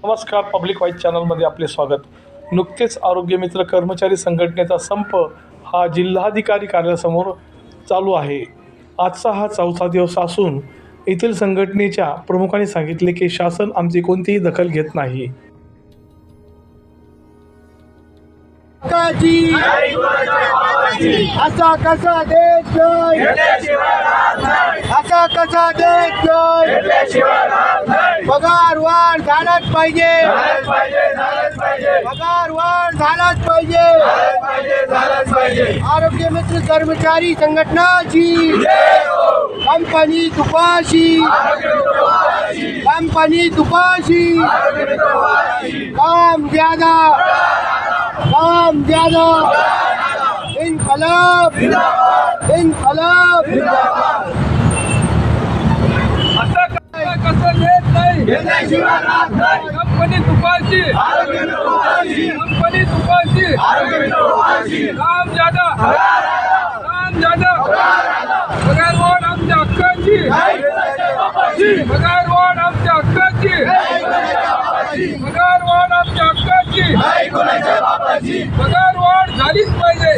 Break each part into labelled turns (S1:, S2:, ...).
S1: नमस्कार, public wise चॅनलमध्ये आपले स्वागत. नुकतेच आरोग्य मित्र कर्मचारी संघटनेचा संप हा जिल्हाधिकारी कार्यालयासमोर चालू आहे. आजचा हा 4था दिवस असून येथील संघटनेच्या प्रमुखांनी सांगितले की शासन आमची कोणतीही दखल घेत नाही.
S2: असा कसा देश असा कसा देश पगार वाढ झालाच पाहिजे, पगार वाढ झालाच पाहिजे. आरोग्य मित्र कर्मचारी संघटनाची कंपनी तुपाशी, कंपनी तुपाशी. काम ज्यादा, काम ज्यादा. इनकलाब, इनकलाब.
S3: कसं देत नाही कंपनी तुपाची, कंपनी तुपाची. काम ज्यादा, काम ज्यादा. पगार वाढ आमच्या हक्काची, पगार वाढ आमच्या हक्काची, पगार वाढ आमच्या हक्काची. पगार वाढ झालीच पाहिजे,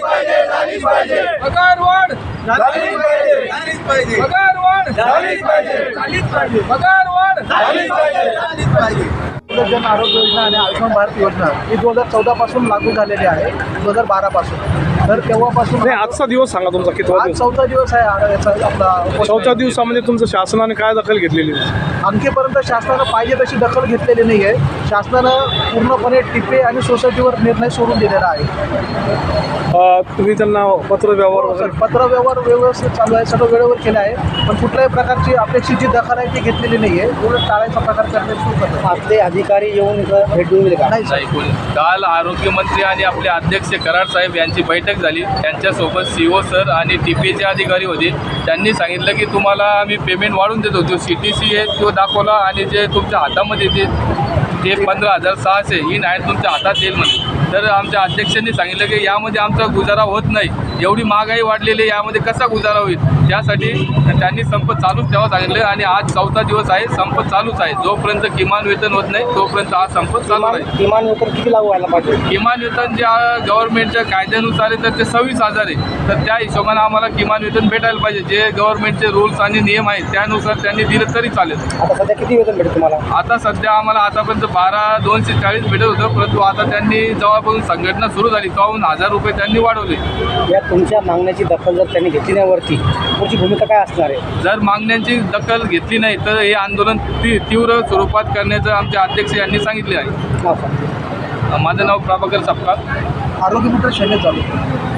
S3: पगार वाढ झालीच पाहिजे, पगार वाढ झालीच पाहिजे, पगार वाढ झालीच पाहिजे.
S2: जन आरोग्य योजना आणि आयुष्यमान भारत योजना ही 2014 पासून लागू झालेली आहे, 2012 पासून. तर तेव्हापासून
S1: नाही, आजचा दिवस सांगा तुमचा कितवा
S2: आज
S1: दिवस?
S2: 14 दिवस आहे याचा आपला.
S1: 4थ्या दिवसामध्ये तुमचं शासनाने काय दखल घेतलेली?
S2: आणखीपर्यंत शासनानं पाहिजे तशी दखल घेतलेली नाही आहे. शासनानं पूर्णपणे टिपे आणि सोसायटीवर निर्णय सोडून दिलेला आहे.
S1: तुम्ही त्यांना पत्र व्यवहार वगैरे
S2: पत्रव्यवहार व्यवस्थित चालू आहे, सगळं वेळेवर केलं आहे. पण कुठल्याही प्रकारची अपेक्षित जी दखल आहे ती घेतलेली नाही आहे. उलट टाळायचा प्रकार करण्यास सुरू करतो. आपले अधिकारी येऊन भेट देऊन का नाही?
S3: काल आरोग्यमंत्री आणि आपले अध्यक्ष कराड साहेब यांची बैठक झाली. त्यांच्यासोबत CO सर आणि TPAचे अधिकारी होते. त्यांनी सांगितलं की तुम्हाला आम्ही पेमेंट वाढून देतो. जो CTC आहे तो दाखवला आणि जे तुमच्या हातामध्ये ते 15,600 ही नाही तुमच्या हातात येईल म्हणे. तर आमच्या अध्यक्षांनी सांगितलं की यामध्ये आमचा गुजारा होत नाही, एवढी महागाई वाढलेली आहे, यामध्ये कसा गुजारा होईल. त्यासाठी त्यांनी संप चालूच ठेवा सांगितलं आणि आज 4था दिवस आहे, संप चालूच आहे. जोपर्यंत किमान वेतन होत नाही तोपर्यंत हा संप चालू आहे.
S2: किमान वेतन किती लागू व्हायला पाहिजे?
S3: किमान वेतन ज्या गव्हर्नमेंटच्या कायद्यानुसार आहे तर ते 26,000 आहे. तर त्या हिशोबाने आम्हाला किमान वेतन भेटायला पाहिजे. जे गव्हर्नमेंटचे रूल्स आणि नियम आहेत त्यानुसार त्यांनी दिलं तरी चालेल.
S2: आता सध्या किती वेतन भेटेल तुम्हाला?
S3: आता सध्या आम्हाला आतापर्यंत 12,240 भेटत होतं, परंतु आता त्यांनी जेव्हापासून संघटना सुरू झाली तेव्हाहून 1,000 रुपये त्यांनी वाढवले.
S2: या तुमच्या मागण्याची दखल जर त्यांनी घेतली नाही वरती, पुढची भूमिका काय असणार आहे?
S3: जर मागण्यांची दखल घेतली नाही तर हे आंदोलन तीव्र स्वरूपात करण्याचं आमचे अध्यक्ष यांनी सांगितले आहे. माझं नाव प्रभाकर सपकाळ.
S2: आरोग्य मित्र शैलेश चालू.